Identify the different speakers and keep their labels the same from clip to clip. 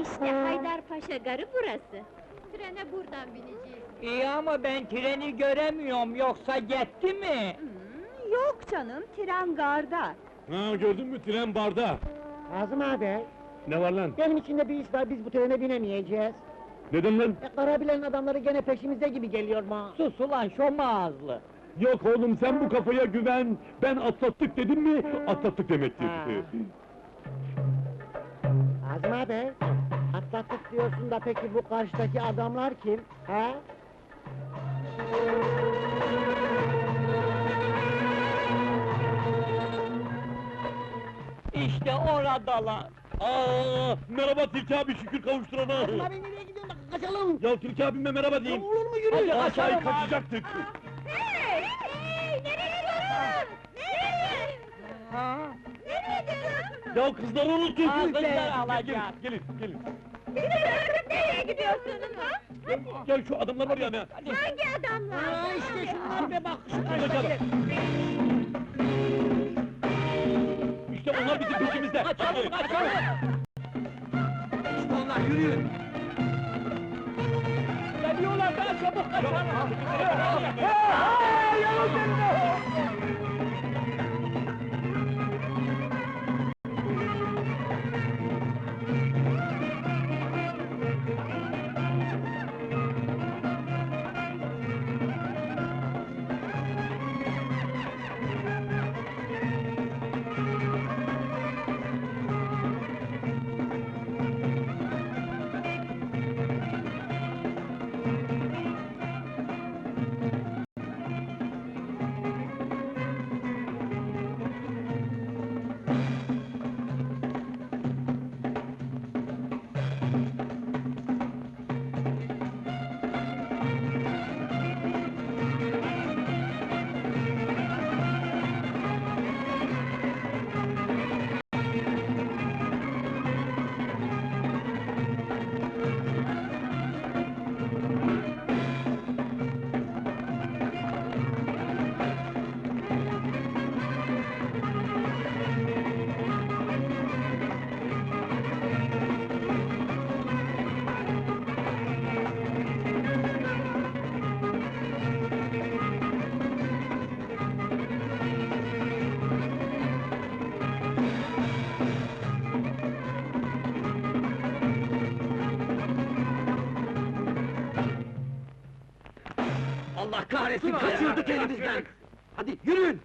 Speaker 1: İşte Haydarpaşa Garı burası. Trene buradan bineceğiz.
Speaker 2: İyi ama ben treni göremiyorum, yoksa gitti mi?
Speaker 1: Yok canım, tren garda.
Speaker 3: Ha, gördün mü, tren barda!
Speaker 4: Kazım abi,
Speaker 3: Ne var lan?
Speaker 4: benim içimde bir iş var, biz bu trene binemeyeceğiz.
Speaker 3: Neden lan?
Speaker 4: Karabilen adamları gene peşimizde gibi geliyor bana.
Speaker 2: Sus ulan şom ağızlı!
Speaker 3: Yok oğlum, sen bu kafaya güven! Ben atlattık dedim mi, atlattık demektir!
Speaker 4: Ha. Kazım abi, atlattık diyorsun da peki bu karşıdaki adamlar kim? He?
Speaker 2: İşte oradalar!
Speaker 3: Aa, merhaba Tilki abi, şükür kavuşturana!
Speaker 4: Kazım abi nereye gidiyorsun? Kaçalım!
Speaker 3: Ya Tilki abime merhaba
Speaker 4: Ya
Speaker 3: diyeyim!
Speaker 4: olur mu yürü?
Speaker 2: Hadi,
Speaker 3: Aşağıya
Speaker 2: kaçalım abi.
Speaker 3: kaçacaktık!
Speaker 1: Hey! Hey! Nereye gidiyorsun? Nereye?
Speaker 2: Ha?
Speaker 1: Nereye gidiyorsun?
Speaker 3: Ya kızları unuttuk!
Speaker 2: Aa, kızlar
Speaker 3: Gelin,
Speaker 2: alacak.
Speaker 3: gelin, gelin!
Speaker 1: Nereye gidiyorsunuz ha?
Speaker 3: Gel şu adamlar var ya ne?
Speaker 1: Hangi adamlar?
Speaker 4: Aa işte şunlar be bak, şu
Speaker 3: Kaçalım.
Speaker 4: karşıdaki.
Speaker 3: İşte onlar bizim peşimizde!
Speaker 2: Kaçalım, kaçalım!
Speaker 3: İşte onlar, yürüyün!
Speaker 2: Geliyorlar, daha çabuk kaçalım!
Speaker 3: Allah kahretsin, kaçırdık elimizden! Hadi yürüyün!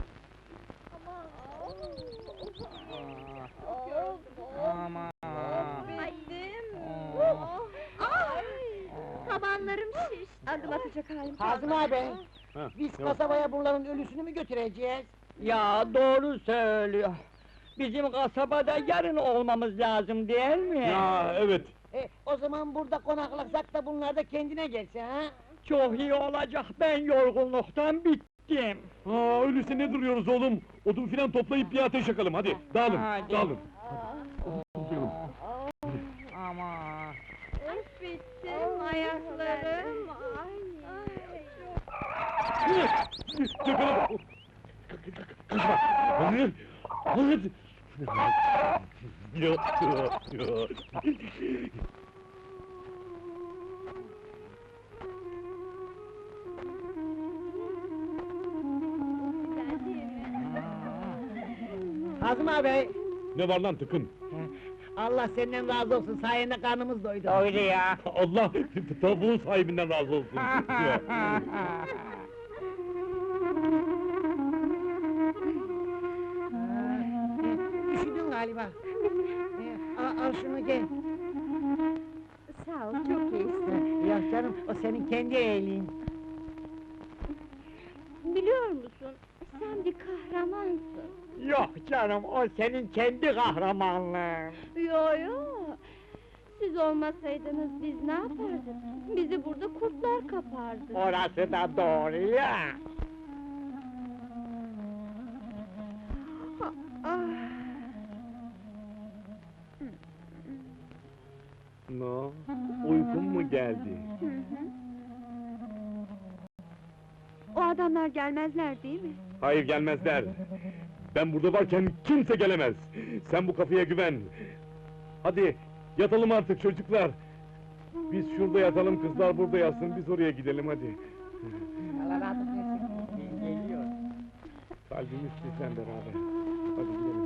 Speaker 2: Aman!
Speaker 1: Bittim.
Speaker 2: Ay!
Speaker 1: Tabanlarım şiş. Adım atacak halim
Speaker 4: Kazım abi,
Speaker 3: Ha,
Speaker 4: biz
Speaker 3: ne var?
Speaker 4: kasabaya bunların ölüsünü mü götüreceğiz?
Speaker 2: Ya doğru söylüyor! Bizim kasabada yarın olmamız lazım değil mi?
Speaker 3: Ya evet!
Speaker 4: O zaman burada konaklasak da bunlar da kendine gelse ha?
Speaker 2: Çok iyi olacak, ben yorgunluktan bittim!
Speaker 3: Ha, öyleyse ne duruyoruz oğlum? Odun filan toplayıp bir ateş yakalım, hadi! Dağılın,
Speaker 2: Hadi.
Speaker 3: dağılın!
Speaker 2: Aman!
Speaker 1: Bittim ayaklarım.
Speaker 3: Yakala! Kaçma! Hadi! Hadi! Ya, ya.
Speaker 4: Kazım abi,
Speaker 3: Ne var lan tıkın?
Speaker 4: Allah senden razı olsun, sayende karnımız doydu.
Speaker 2: Öyle ya!
Speaker 3: Allah tavuğun sahibinden razı olsun! Ya.
Speaker 4: Üşüdün galiba. Al şunu gel.
Speaker 1: Sağ ol, çok iyisin.
Speaker 4: Ya canım, o senin kendi iyiliğin.
Speaker 1: Biliyor musun, sen bir kahramansın.
Speaker 2: Yok canım, o senin kendi kahramanlığın!
Speaker 1: Yo yo, siz olmasaydınız biz ne yapardık? Bizi burada kurtlar kapardı.
Speaker 2: Orası da doğru ya!
Speaker 1: Ah,
Speaker 3: No, uykun mu geldi?
Speaker 1: o adamlar gelmezler değil mi?
Speaker 3: Hayır gelmezler! Ben burada varken kimse gelemez! Sen bu kafaya güven! Hadi, Yatalım artık çocuklar. Biz şurada yatalım, kızlar burada yatsın, biz oraya gidelim hadi.
Speaker 4: Allah razı olsun. Geliyor.
Speaker 3: Kalbimiz bizden beraber. Hadi gidelim.